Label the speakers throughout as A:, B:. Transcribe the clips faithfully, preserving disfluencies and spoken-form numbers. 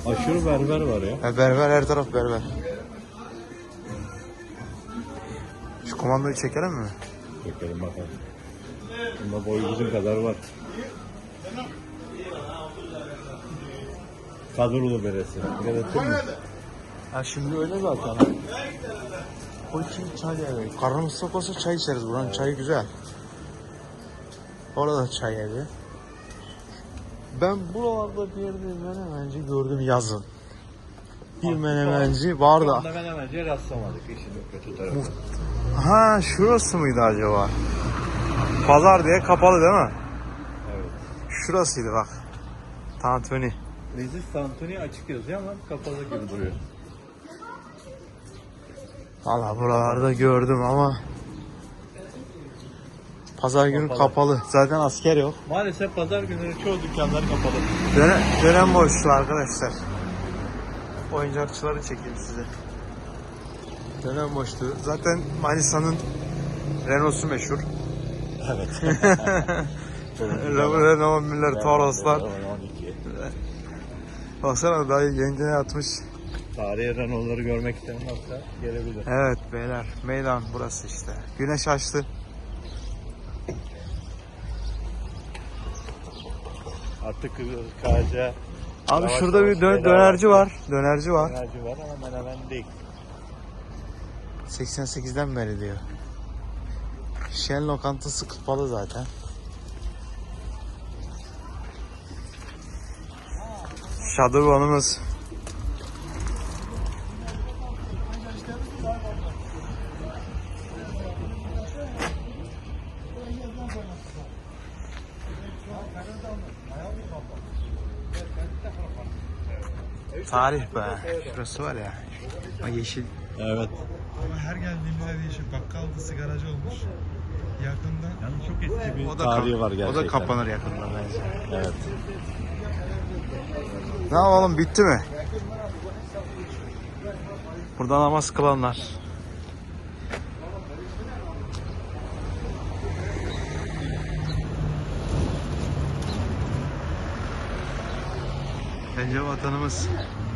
A: Aşırı berber var ya.
B: Ya berber, her taraf berber. Şu komandoyu çekelim mi?
A: Çekelim bakalım. Bunda boyu bizim kadar var. Kadrolu beresi. Gerektir mi?
B: Ha şimdi öyle zaten. O için çay evi. Karnımız tok olsa çay içeriz. Buranın çayı güzel. Orada çay evi. Ben buralarda bir yerde menemenci gördüm yazın. Bir menemenci var da.
A: Onda menemenciye rastlamadık. İşin kötü tarafı.
B: Ha şurası mıydı acaba? Pazar diye kapalı değil mi?
A: Evet.
B: Şurasıydı bak. Tantuni.
A: Leziz Tantuni açık yazıyor ama kapalı gibi duruyor.
B: Valla buralarda gördüm ama pazar günü kapalı. kapalı. Zaten asker yok.
A: Maalesef pazar günleri çoğu dükkanlar kapalı.
B: Dönem, dönem boşluğu arkadaşlar. Oyuncakçıları çekeyim size. Dönem boşluğu. Zaten Manisa'nın Renault'su meşhur.
A: Evet.
B: Renault, Müller, Toros'lar. Baksana dayı yengene atmış.
A: Tarihi Renault'ları görmek isteyen varsa gelebilir.
B: Evet beyler, meydan burası işte. Güneş açtı.
A: Artık Karaca.
B: Abi şurada bir dö- dönerci var. Dönerci var.
A: Dönerci var ama menemen değil.
B: seksen sekizden beri diyor. Şen lokantası kapalı zaten. Şadırvanımız. Tarih be. Şurası var ya. O yeşil.
A: Evet.
C: Ama her geldiğimizde değişiyor. Bakkaldı, sigaracı olmuş. Yakında.
A: Yani çok eski bir
B: O da
A: tarihi
B: kap-
A: var gerçekten.
B: O da kapanır yakında bence.
A: Evet.
B: Ne yapalım, bitti mi? Burada namaz kılanlar. Bence vatanımız.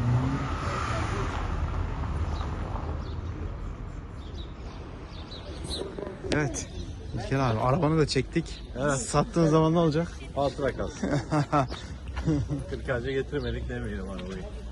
B: Evet. İlker abi arabanı da çektik.
A: Evet.
B: Sattığın zaman ne olacak?
A: Hatıra kalsın. kırk ağaca getirmedik demeyelim arabayı.